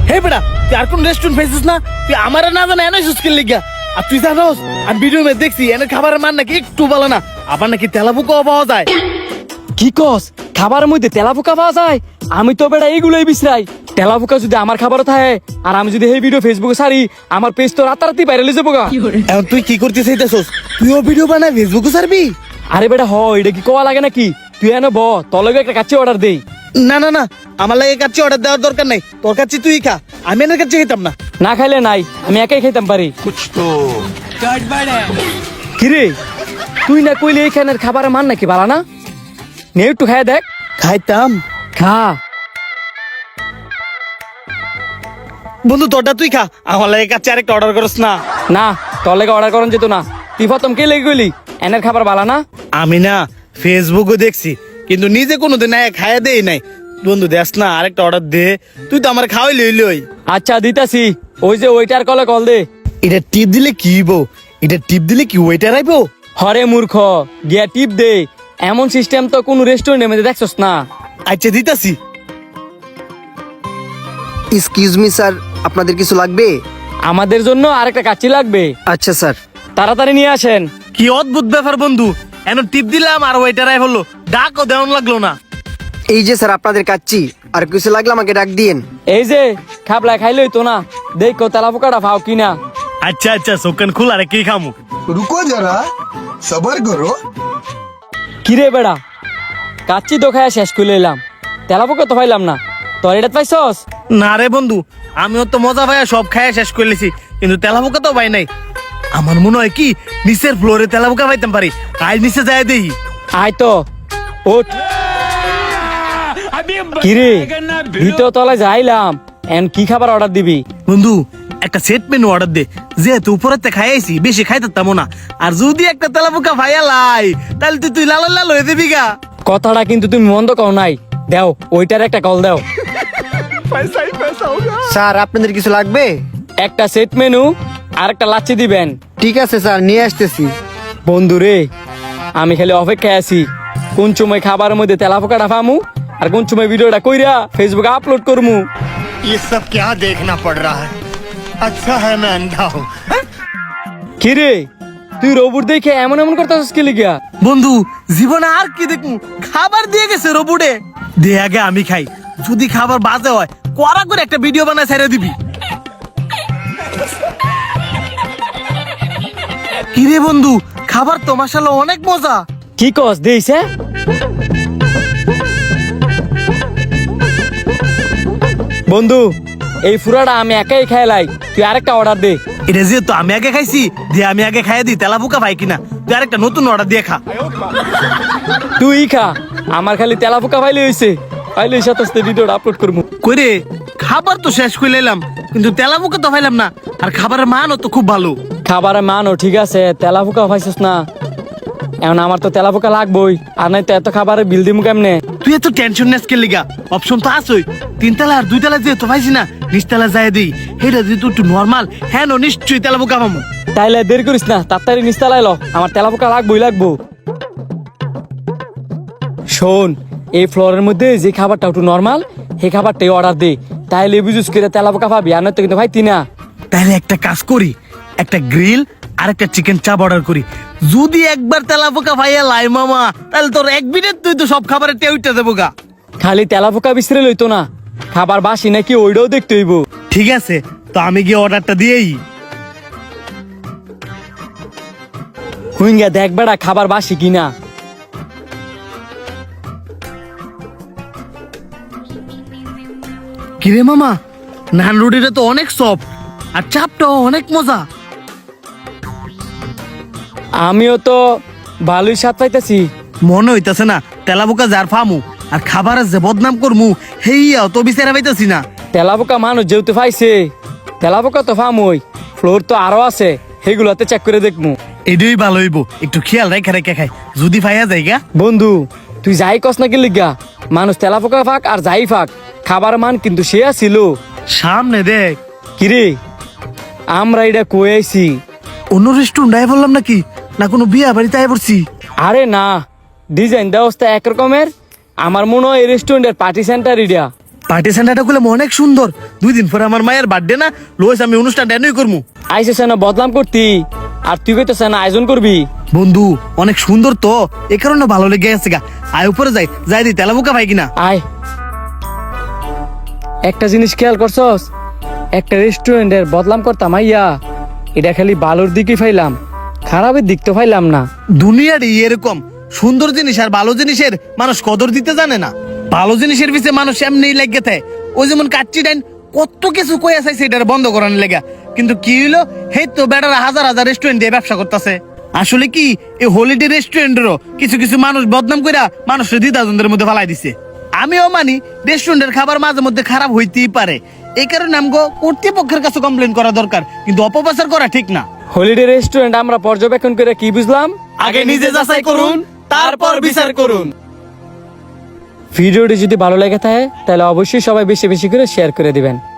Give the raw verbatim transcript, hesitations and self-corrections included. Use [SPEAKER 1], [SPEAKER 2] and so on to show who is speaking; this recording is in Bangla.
[SPEAKER 1] হে বেটা তুই আর কোন রেস্টুরেন্ট পাইছিস না? তুই আমার না জানা এনে সুস্কিল লিগা। আর তুই জানোস আমি ভিডিও মে দেখছি এনে খাবারের মান নাকি একটু ভালো না, আবার নাকি তেলাপোকাও পাওয়া যায়।
[SPEAKER 2] কি কস খাবারের মধ্যে তেলাপোকা পাওয়া যায়? আমি তো বেটা এইগুলোই বিছরাই। তেলাপোকা যদি আমার খাবার থাকে আর আমি যদি এই ভিডিও ফেসবুকে ছাড়ি, আমার পেজ তো রাতারাতি ভাইরাল হয়ে যাবো গা।
[SPEAKER 1] এখন তুই কি করতে চাইতেছস? তুইও ভিডিও বানাই ফেসবুকে ছাড়বি?
[SPEAKER 2] আরে বেটা হ, এটা কি কোয়া লাগে নাকি? তুই এনে ব, তোর লগে একটা কাচ্চি অর্ডার দেই।
[SPEAKER 1] না না না, আমার লাগে কাচ্চি অর্ডার দেওয়ার দরকার নাই। তোর কাছে তুই খা, আমি এনের কাছে খেতাম না।
[SPEAKER 2] না খাইলে নাই, আমি একাই খাইতাম পারি। কিরে তুই না কইলে এইখানের খাবারের মান নাকি ভালো না? নে একটু খাই দেখ।
[SPEAKER 1] খাইতাম
[SPEAKER 2] খা
[SPEAKER 1] বন্ধু, তোরটা তুই খা, আমার লাগে কাচ্চি আরেকটা অর্ডার করস না।
[SPEAKER 2] না, তোর লেগে অর্ডার করেন যেত না। তুই প্রথম কে লেগে গেলি এনের খাবার ভালো না?
[SPEAKER 1] আমি না ফেসবুকে দেখছি, কিন্তু নিজে কোনোদিন খাইয়া দেই নাই। বন্ধু দেখ না, আরেকটা অর্ডার দে, তুই তো আমার খাওয়াই লইলই।
[SPEAKER 2] আচ্ছা দিতাছি, ওই যে ওইটার কলে কল দে।
[SPEAKER 1] এটা টিপ দিলে কি হইব? এটা টিপ দিলে কি ওইটার আইবো?
[SPEAKER 2] হরে মূর্খ, গিয়া টিপ দে। এমন সিস্টেম তো কোন রেস্টুরেন্টের মধ্যে দেখছস না।
[SPEAKER 1] আচ্ছা দিতাছি।
[SPEAKER 3] এক্সকিউজ মি স্যার, আপনাদের কিছু লাগবে?
[SPEAKER 2] আমাদের জন্য আরেকটা কাচ্চি লাগবে,
[SPEAKER 3] আচ্ছা স্যার।
[SPEAKER 2] তাড়াতাড়ি নিয়ে আসেন।
[SPEAKER 1] কি অদ্ভুত ব্যাপার বন্ধু, এখন টিপ দিলাম আর ওইটার আই হলো, ডাকও দেওয়ান লাগলো না।
[SPEAKER 3] এই যে স্যার আপনাদের কাচ্চি, আর কিছু লাগলে আমাকে ডাক দিয়েন।
[SPEAKER 2] এই যে খাবলা খাইলই তো না, দেখো তেলাপোকাটা পাও কিনা।
[SPEAKER 1] আচ্ছা আচ্ছা, সোকান খুল, আরে কি খামু?
[SPEAKER 4] रुको जरा सबर करो।
[SPEAKER 2] কিরে বেড়া, কাচ্চি তো খাইয়া শেষ করে এলাম, তেলাপোকা তো পাইলাম না। তোর এটা পাইছস?
[SPEAKER 1] না রে বন্ধু, আমিও তো মজা ভাইয়া সব খাইয়া শেষ করলেছি, কিন্তু তেলাপোকা তো পাই নাই। আমার মনে হয় কি নিচের ফ্লোরে তেলাপোকা পাইতাম পারি, আজ নিচে যায় দেই।
[SPEAKER 2] আয় তো ওঠ। কিরে ভিতর তলায় যাইলাম, এন কি খাবার অর্ডার দিবি?
[SPEAKER 1] বন্ধু একটা সেট মেনু অর্ডার দে, যেহেতু উপরেতে খাইয়াছি বেশি খাইতাম না, আর যদি একটা তেলাপোকা ভাইয়া লাই তাহলে তুই তুই লাল লাল হয়ে দিবি গা।
[SPEAKER 2] কথাটা কিন্তু তুমি মন্দ কও নাই, দেও ওইটার একটা কল দাও।
[SPEAKER 3] স্যার আপনাদের কিছু লাগবে?
[SPEAKER 2] একটা সেট মেনু আর একটা লাচ্ছি দিবেন।
[SPEAKER 3] ঠিক আছে স্যার, নিয়ে আসতেছি।
[SPEAKER 2] বন্ধু রে, আমি খালি অপেক্ষায় আছি কোন সময় খাবারের মধ্যে তেলাপোকাটা পামু আর কোন সময় ভিডিওটা কইরা ফেসবুকে আপলোড করমু।
[SPEAKER 5] ये सब क्या देखना पड़ रहा है? अच्छा है मैं अंधा हूँ।
[SPEAKER 2] কিরে তুই রোবট দেখে এমন এমন করতেছিস কি লিগা?
[SPEAKER 1] বন্ধু জীবনে আর কি দেখমু, খাবার দিয়ে গেছে রোবটে। দে আগে আমি খাই, যদি খাবার বাজে হয় কড়া করে একটা ভিডিও বানায় ছেড়ে দিবি। কিরে বন্ধু, খাবার তো মাশাআল্লাহ অনেক মজা।
[SPEAKER 2] কি কস দেইছে? বন্ধু এই ফুরাটা আমি একাই খাইলাই, তুই আরেকটা অর্ডার দে।
[SPEAKER 1] এটা যেহেতু আমি আগে খাইছি, দিয়ে আমি আগে খাইয়া দিই, তেলাপোকা ভাই কিনা তুই আরেকটা নতুন অর্ডার দিয়ে খা।
[SPEAKER 2] তুই খা, আমার খালি তেলাপোকা পাইলে হইছে, পাইলে সাথে ভিডিওটা আপলোড করবো।
[SPEAKER 1] কইরে খাবার তো শেষ করে এলাম, কিন্তু তেলাপোকা তো পাইলাম না, আর খাবারের মানও তো খুব ভালো।
[SPEAKER 2] খাবারের মানও ঠিক আছে, তেলাপোকা পাইছিস না। এখন আমার তো তেলাপোকা লাগবই, আর নাই তো এত খাবারের বিল দিমু কেমনে?
[SPEAKER 1] তুই এত টেনশন নেস কে লিগা? অপশন তো আছই, তিন তালা আর দুই তালা যেহেতু পাইছি না, নিচ তালা যায় দিই। হেটা যদি একটু নর্মাল, হ্যাঁ নো নিশ্চয়ই তেলাপোকা পাবো।
[SPEAKER 2] তাইলে দেরি করিস না, তাড়াতাড়ি নিস্তালাই ল, আমার তেলাপোকা লাগবই লাগবো। শোন, এই ফ্লোরের মধ্যে যে খাবারটা একটু নর্মাল, সেই খাবারটাই অর্ডার দে, তাইলে বুঝুস করে তেলাপোকা পাবি, আর নয়তো কিন্তু ভাইতি না।
[SPEAKER 1] তাহলে একটা কাজ করি, একটা গ্রিল আর একটা চিকেন চাপ অর্ডার করি। যদি একবার তেলাপোকা ভাইয়া লাই মামা, তাহলে তোর এক মিনিট তুই তো সব খাবারের টেউটা দেবো গা।
[SPEAKER 2] খালি তেলাপোকা বিছরে লইতো না, খাবার বাসি নাকি ওইটাও দেখতে হইব।
[SPEAKER 1] ঠিক আছে, তো আমি গিয়ে অর্ডারটা দিয়েই।
[SPEAKER 2] হুইঙ্গা দেখ বেড়া খাবার বাসি কিনা।
[SPEAKER 1] কিরে মামা, নান রুটিটা তো অনেক সফট, আর চাপটাও অনেক মজা।
[SPEAKER 2] আমিও তো ভালোই স্বাদ পাইতেছি।
[SPEAKER 1] মনে হইতাছে না তেলাপোকা যার ফামু আর খাবারের যে বদনাম করমু, হেইয়াও তো বিচারা পাইতাছি না।
[SPEAKER 2] তেলাপোকা মানুষ যেহেতু পাইছে, তেলাপোকা তো ফার্মই, ফ্লোর তো আরো আছে, সেগুলোতে চেক করে দেখমু।
[SPEAKER 1] এটাই ভালো হইব, একটু খেয়াল রেখে রেখে খাই, যদি ফাইয়া যাইগা।
[SPEAKER 2] বন্ধু তুই যাই কস না কি লিগা, মানুষ তেলাপোকা ফাঁক আর যাই ফাঁক, খাবার মান কিন্তু সে ছিল।
[SPEAKER 1] সামনে দেখ।
[SPEAKER 2] কিরে আমরা এটা কই আইছি?
[SPEAKER 1] অন্য রেস্টুরেন্ট আয় বললাম নাকি, না কোনো বিয়া বাড়িতে আয় পড়ছি?
[SPEAKER 2] আরে না, ডিজাইন ব্যবস্থা একরকমের। আমার মনে হয় এই রেস্টুরেন্টের পার্টি সেন্টার এটা।
[SPEAKER 1] পার্টি সেন্টারটা গুলো অনেক সুন্দর। দুই দিন পরে আমার মায়ের বার্থডে না, লোস আমি অনুষ্ঠান ড্যানই করবো।
[SPEAKER 2] আইসে না বদনাম করতি, আর তুই কইতেছ না আয়োজন করবি।
[SPEAKER 1] বন্ধু অনেক সুন্দর তো, এ কারণে ভালো লেগে গেছে গা। আয় উপরে যাই, যাই দি তেলাপোকা ভাই কিনা।
[SPEAKER 2] আয়। একটা জিনিস খেয়াল করছস, একটা রেস্টুরেন্টের বদনাম করতাম আইয়া, এটা খালি ভালোর দিকে ফাইলাম, খারাপের দিক তো ফাইলাম না।
[SPEAKER 1] দুনিয়ারই এরকম, সুন্দর জিনিস আর ভালো জিনিসের মানুষ কদর দিতে জানে না। ভালো জিনিসের পিছে মানুষ এমনি লেগে থাকে। ওই যেমন কাচ্চি ডাইন কত কিছু কই আছে সেটার বন্ধ করানোর লেগা, কিন্তু কি হইলো, হে তো বেটারা হাজার হাজার রেস্টুরেন্ট দিয়ে ব্যবসা করতেছে। আসলে কি এই হলিডে রেস্টুরেন্টেরও কিছু কিছু মানুষ বদনাম কইরা মানুষের দ্বিধাদ্বন্দ্বের মধ্যে ফালাই দিছে। আমিও মানি রেস্টুরেন্টের খাবার মাঝে মধ্যে খারাপ হইতেই পারে, এই কারণে আমগো কর্তৃপক্ষের কাছে কমপ্লেন করা দরকার, কিন্তু অপপ্রচার করা ঠিক না।
[SPEAKER 2] হলিডে রেস্টুরেন্ট আমরা পর্যবেক্ষণ করে কি বুঝলাম,
[SPEAKER 1] আগে নিজে যাচাই করুন, তারপর বিচার করুন।
[SPEAKER 2] ভিডিওটি যদি ভালো লেগে থাকে তাহলে অবশ্যই সবাই বেশি বেশি করে শেয়ার করে দিবেন।